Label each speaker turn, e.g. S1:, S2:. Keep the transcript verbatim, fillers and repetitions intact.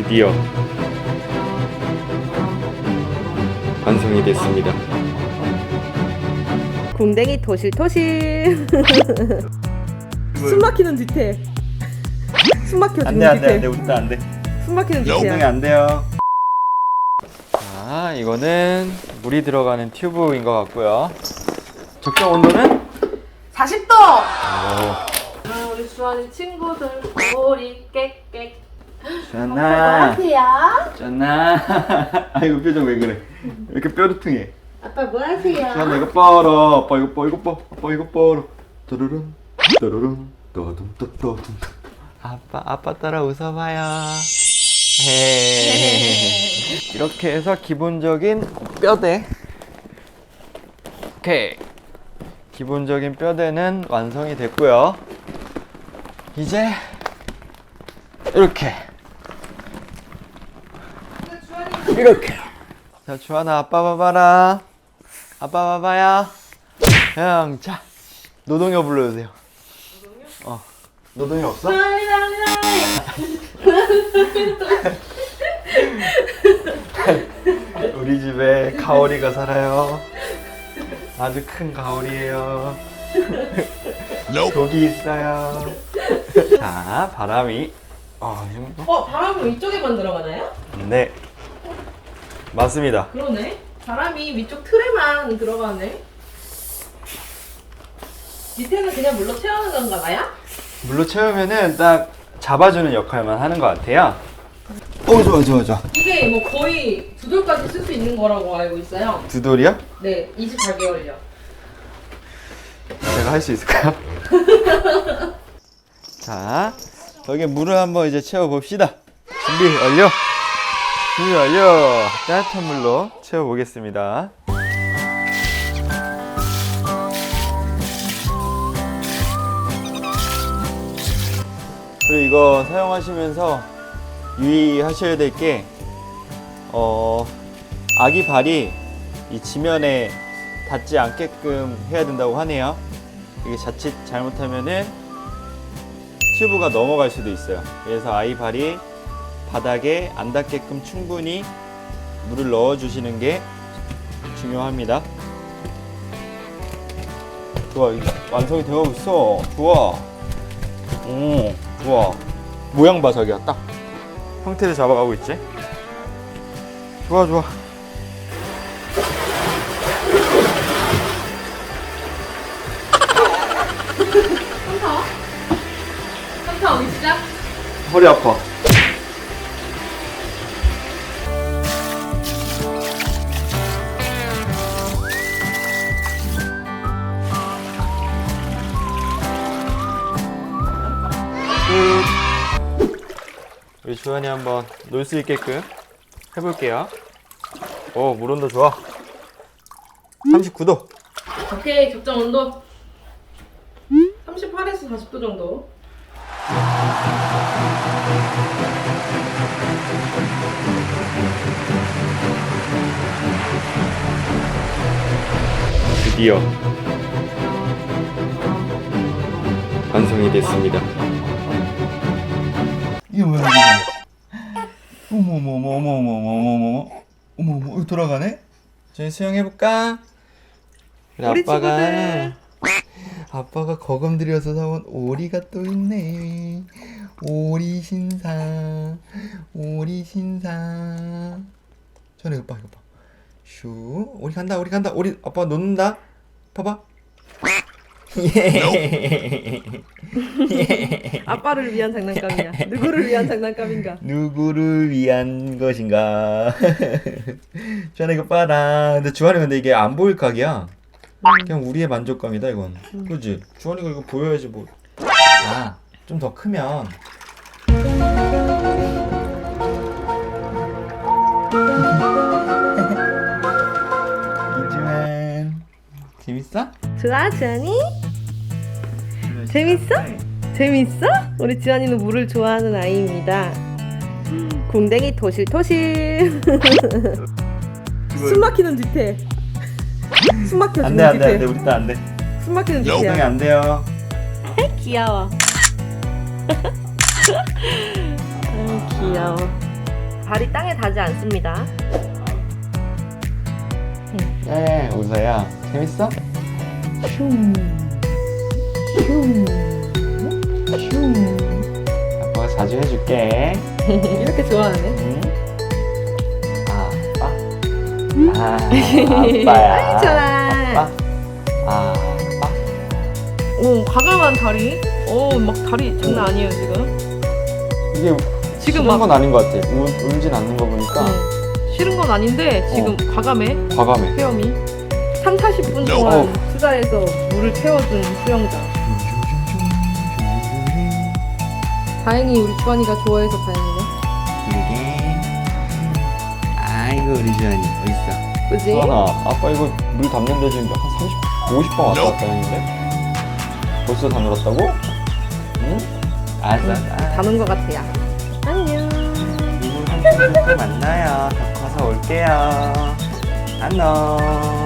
S1: 드디어 완성이 됐습니다.
S2: 궁뎅이 토실토실. 숨 막히는 뒤태. 숨 막혀 지금
S1: 안돼 안돼
S2: 뒤태.
S1: 안돼 우리 안돼.
S2: 숨 막히는
S1: 엉덩이
S2: 뒤태야.
S1: 안 돼요. 자, 이거는 물이 들어가는 튜브인 것 같고요. 적정 온도는
S2: 사십 도.
S1: 오.
S2: 아, 우리 주한이 친구들 우리 깨깨.
S1: 짠나
S2: 하세요?
S1: 짠나. 아이고 표정 왜 그래? 왜 이렇게 뾰루퉁해?
S2: 아빠 뭐 하세요?
S1: 짠나 이거 뻐라. 아빠 이거 뻐 이거 뻐. 아빠 이거 뻐라. 또르릉 또르릉 또둠 또또둠. 아빠 아빠 따라 웃어봐요. 헤헤헤헤. 이렇게 해서 기본적인 뼈대. 오케이. 기본적인 뼈대는 완성이 됐고요. 이제 이렇게 이렇게. 자, 주하나 아빠 봐봐라. 아빠 봐봐요. 형, 자 노동요 불러주세요. 노동요? 어. 노동요 없어? 우리 집에 가오리가 살아요. 아주 큰 가오리예요. 독이 있어요. 자, 바람이 어, 이거?
S2: 어, 바람은 위쪽에만 들어가나요?
S1: 네, 맞습니다.
S2: 그러네. 바람이 위쪽 틀에만 들어가네. 밑에는 그냥 물로 채우는 건가 봐요?
S1: 물로 채우면은 딱 잡아주는 역할만 하는 것 같아요. 오, 좋아 좋아 좋아.
S2: 이게 뭐 거의 두 돌까지 쓸 수 있는 거라고 알고 있어요.
S1: 두 돌이요?
S2: 네, 이십사 개월이요.
S1: 제가 할 수 있을까요? 자, 여기 물을 한번 이제 채워 봅시다. 준비 완료. 준비 완료. 따뜻한 물로 채워 보겠습니다. 그리고 이거 사용하시면서 유의하셔야 될 게 어, 아기 발이 이 지면에 닿지 않게끔 해야 된다고 하네요. 이게 자칫 잘못하면은 튜브가 넘어갈 수도 있어요. 그래서 아이 발이 바닥에 안 닿게끔 충분히 물을 넣어 주시는 게 중요합니다. 좋아, 이거 완성이 되어 있어. 좋아. 오, 좋아. 모양 봐, 자기야. 딱 형태를 잡아가고 있지. 좋아, 좋아.
S2: 한타? 한타 오기 시작?
S1: 허리 아파. 끝. 우리 주한이 한번 놀 수 있게끔 해볼게요. 오, 물 온도 좋아. 삼십구 도.
S2: 오케이, 적정 온도 삼십팔에서 사십 도 정도.
S1: 드디어 완성이 됐습니다. 이게 뭐야 이거? 어머머머머머머머머머 어머머 어머 돌아가네? 저희 수영해볼까? 그래,
S2: 우리
S1: 아빠가
S2: 친구들.
S1: 아빠가 거금 들여서 사온 오리가 또 있네. 오리 신사 오리 신사. 전에 이거 봐 이거 봐. 슈 오리 간다 오리 간다 오리. 아빠 놓는다. 봐봐. 예. 예.
S2: 아빠를 위한 장난감이야. 누구를 위한 장난감인가?
S1: 누구를 위한 것인가? 주한이 이거 봐라. 근데 주한이 근데 이게 안 보일 각이야. 그냥 우리의 만족감이다 이건.
S2: 음.
S1: 그렇지? 주한이가 이거 보여야지 뭐. 아, 좀 더 크면. 이주한 재밌어?
S2: 좋아, 주한이? 재밌어? 재밌어? 우리 지안이는 물을 좋아하는 아이입니다. 궁뎅이 토실토실. 숨 막히는 뒤태. 숨 막혀 지금
S1: 안돼 안돼 안돼
S2: 뒤태.
S1: 우리 딸 안돼.
S2: 숨 막히는
S1: 엉덩이
S2: 뒤태야.
S1: 안 돼요.
S2: 귀여워. 아유, 귀여워. 발이 땅에 닿지 않습니다.
S1: 네, 웃어요. 재밌어? 슝, 슝, 슝. 아빠가 자주 해줄게.
S2: 이렇게 좋아하네.
S1: 응? 아빠. 아, 아빠야.
S2: 아이, 좋아.
S1: 아빠. 아빠.
S2: 오, 과감한 다리. 오, 막 다리 장난 아니에요, 지금.
S1: 이게
S2: 지금
S1: 싫은
S2: 막-
S1: 건 아닌 것 같아. 울, 울진 않는 거 보니까
S2: 응. 싫은 건 아닌데, 지금 과감해.
S1: 과감해.
S2: 수영이. 삼, 사십 분 동안 수다에서 물을 태워준 수영장. 다행히 우리 주환이가 좋아해서 다행이네.
S1: 이게 아이고 우리 주환이 어딨어?
S2: 그지?
S1: 주환아, 아빠 이거 물 담는데 지금 한 삼십, 오십 번 왔다 갔다 했는데 벌써 다 놀았다고? 응? 알았어.
S2: 응, 다는 것 같아요. 안녕.
S1: 이분 한번 또 만나요. 더 커서 올게요. 안녕.